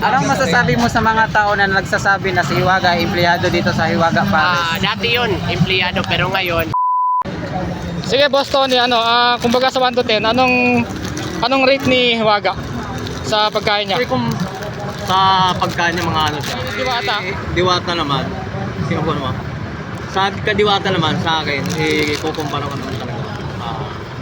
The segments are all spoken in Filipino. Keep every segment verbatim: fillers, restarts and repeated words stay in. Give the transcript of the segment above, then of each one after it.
Anong masasabi mo sa mga tao na nagsasabi na si Hiwaga ay empleyado dito sa Hiwaga Pares? Ah, dati yun, empleyado, pero ngayon Sige boss Tony, ano, ah, kumbaga sa one to ten, anong anong rate ni Hiwaga sa pagkain niya? Kasi kung sa pagkain ng mga ano siya, Diwata. eh, diwata naman. Sino po naman? Sa kadiwata naman sa akin, eh, kukumpara ko naman talaga. Ah,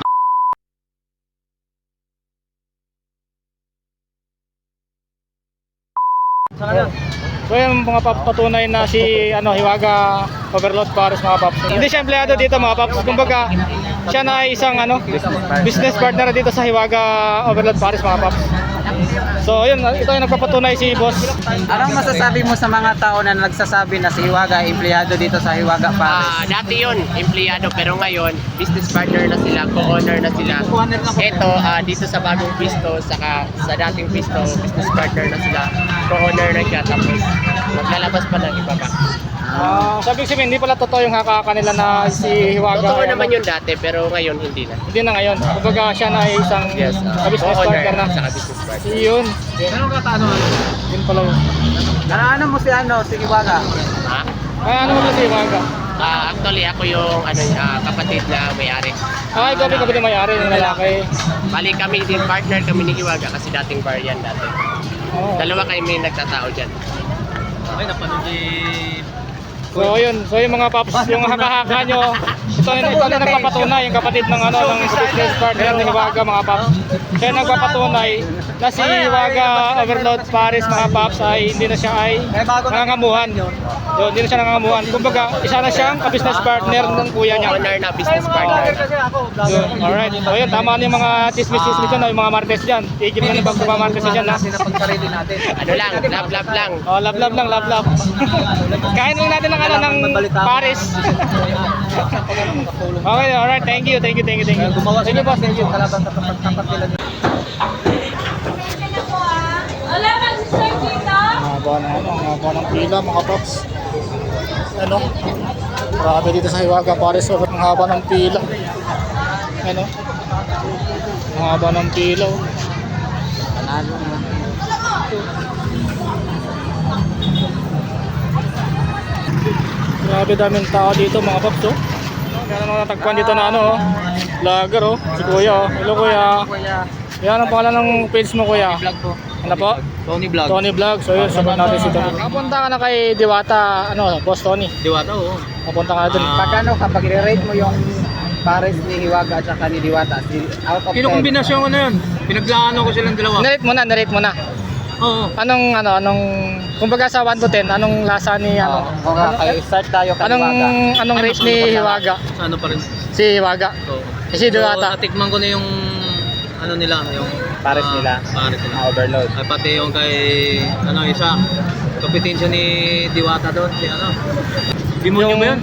So yung mga paps, patunay na si ano, Hiwaga Overload Pares mga paps. Hindi siya empleyado dito mga paps. Kumbaga siya na ay isang ano, business partner dito sa Hiwaga Overload Pares mga paps. So yun, ito yung nagpapatunay si boss. Anong masasabi mo sa mga tao na nagsasabi na si Hiwaga ay empleyado dito sa Hiwaga Pares? Ah, dati yun, empleyado, pero ngayon, business partner na sila, co-owner na sila. Ito, ah, dito sa bagong pisto, saka sa dating pisto, business partner na sila, co-owner na siya, tapos maglalabas pa ng iba pa. Ah, sabi ko sabihin, hindi pala totoo yung haka nila na si Hiwaga. Totoo naman yun dati, pero ngayon hindi na. Hindi na ngayon. Kumbaga siya na ay isang Yes, ah, business co-owner, partner na. saka business partner. Yun. Anong katano? Yun pala yun. Ano, ano mo si ano, si Hiwaga? Ha? Ay, ano mo pala si Hiwaga? Ah, actually, ako yung ano, ah, kapatid na may-ari. Ay, gabi gabi na may-ari ng lalaki. Bali kami din, partner kami ni Hiwaga kasi dating bar yan dati. Oh. Dalawa kami nagtatao dyan. okay, napanood si... So yun, so yung mga paps, yung haka-haka nyo, ito na ito na nagpapatunay, yung kapatid ng ano ng business partner ni Hiwaga mga paps. Kaya nagpapatunay na si Hiwaga Overload Pares mga paps ay hindi na siya ay nangangamuhan. Yun, hindi na siya nangangamuhan. Kumbaga, isa na siyang business partner ng kuya niya. Owner na business partner. Yun, alright. So yun, tama na yung mga chismis-chismis dyan, yung mga martes dyan. Tigil na yung mga martes dyan ha. Ano lang, love love lang. Oh, love love lang, love love. Kain lang natin ng ano ng Paris. Okay, alright. Thank you, thank you, thank you, thank you. Thank you, boss. Thank you. Wala mag-serve dito? Mahaba na ano, mahaba ng pila mga paps. Ano? Marami dito sa Hiwaga Pares. So, ang haba ng pila. Ano? Ang haba ng pila. Oh. Panalo naman. Grabe daming tao dito mga paps. Oh. Kaya naman natagpuan dito na ano, oh. Vlogger oh. Si Kuya oh. Hello Kuya. Yan ang pangalan ng page mo Kuya. Vlog ko. Ano po? Tony Vlog. Tony Vlog. So yun, sabat natin si Tony. Kapunta ka na kay Diwata, ano, Boss Tony. Diwata, oo. Kapunta ka na dun. Ah. Pagkano kapag i-rate mo yung Pares ni Hiwaga at saka ni Diwata, si out of ten? Kinukombinasyon ko na yun. Pinaglaano ko silang dalawa. Narate mo na, narate mo na. Oo. Anong, ano, anong, kumbaga sa one to ten, anong lasa ni, ano? Oo, okay, start tayo kay Anong, Hiwaga. anong rate ni Hiwaga? Sa ano pa rin. Si Hiwaga. So, Eh, si Diwata. So, natikman ko na yung ano nila, yung Pares ah, nila. Pares nila. Ah, overload. Ay, pati yung kay ano isa, kompetensya ni Diwata doon, si ano. Demonyo ba yun?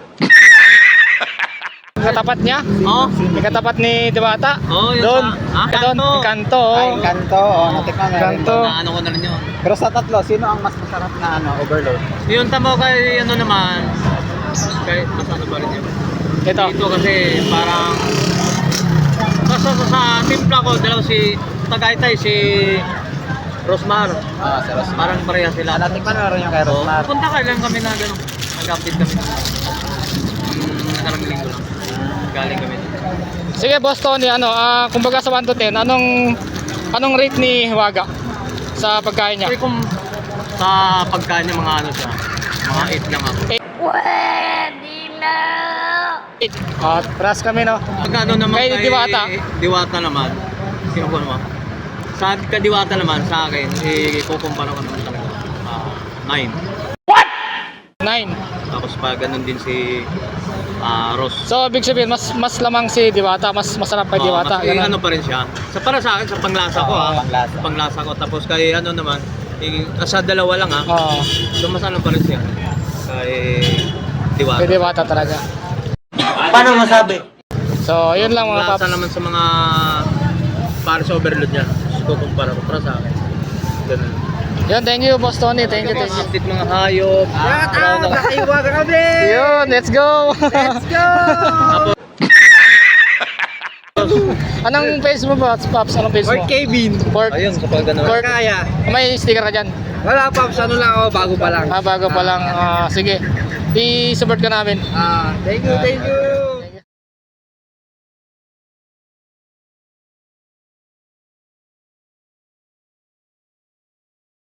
Katapat niya? Oo. Yung katapat ni Diwata? Oo, yun Doon. sa- ah, Doon. Kanto. Kanto. oh. Ay, kanto. Oh, natikman na rin. Kanto. mo. Na ano ko na rin yun. Pero sa tatlo, sino ang mas masarap na ano, overload? Yung tamo kay ano naman, kay mas ano ba rin yun? Ito. Dito kasi parang basta sa, sa timpla ko, dalaw si Tagaytay, si Rosmar. Ah, sa Rosmar. Parang pareha sila. Ah, natikman na rin yung kay Oo. Rosmar. Punta ka lang kami na gano'n. Nag-update kami. Hmm, nakarang linggo lang. Galing kami. Sige Boss Tony, ano, ah, kumbaga sa one to ten, anong, anong rate ni Hiwaga sa pagkain niya? Kasi kung sa pagkain ng mga ano siya, mga eight lang ako. Pwede na! At pras kami no. Pag ano naman Kay Diwata? Diwata naman. Sino po naman? Sa kadiwata naman sa akin, eh, kukumpara ko naman talaga. Ah, nine. nine. Tapos pa ganun din si ah, Ross. So ibig sabihin mas mas lamang si Diwata, mas masarap kay Oo, Diwata. mas, eh, Ganun. ano pa rin siya. Sa para sa akin, sa panglasa ko Oo, ha. panglasa. Panglasa ko. Tapos kay ano naman, eh, sa dalawa lang ha. Oo. So mas ano pa rin siya. Kay Diwata. Kay Diwata talaga. Paano masabi? So yun lang mga Panglasa paps. naman sa mga para sa overload niya. Kukumpara ko para sa akin. Ganun. Yun, thank you Boss Tony. Thank you, thank you. Update mga hayop. Shout out! Hiwaga kami! Yun, let's go. Let's go! Tapos Anong face mo ba, Pops? Anong face mo? Fort Kevin. Fort. Ayun, kapag ganun. Fort. Kaya. May sticker ka dyan? Wala, Pops. Ano lang ako, bago pa lang. Ah, bago pa lang. Ah, sige. I-support ka namin. Ah, thank you, thank you.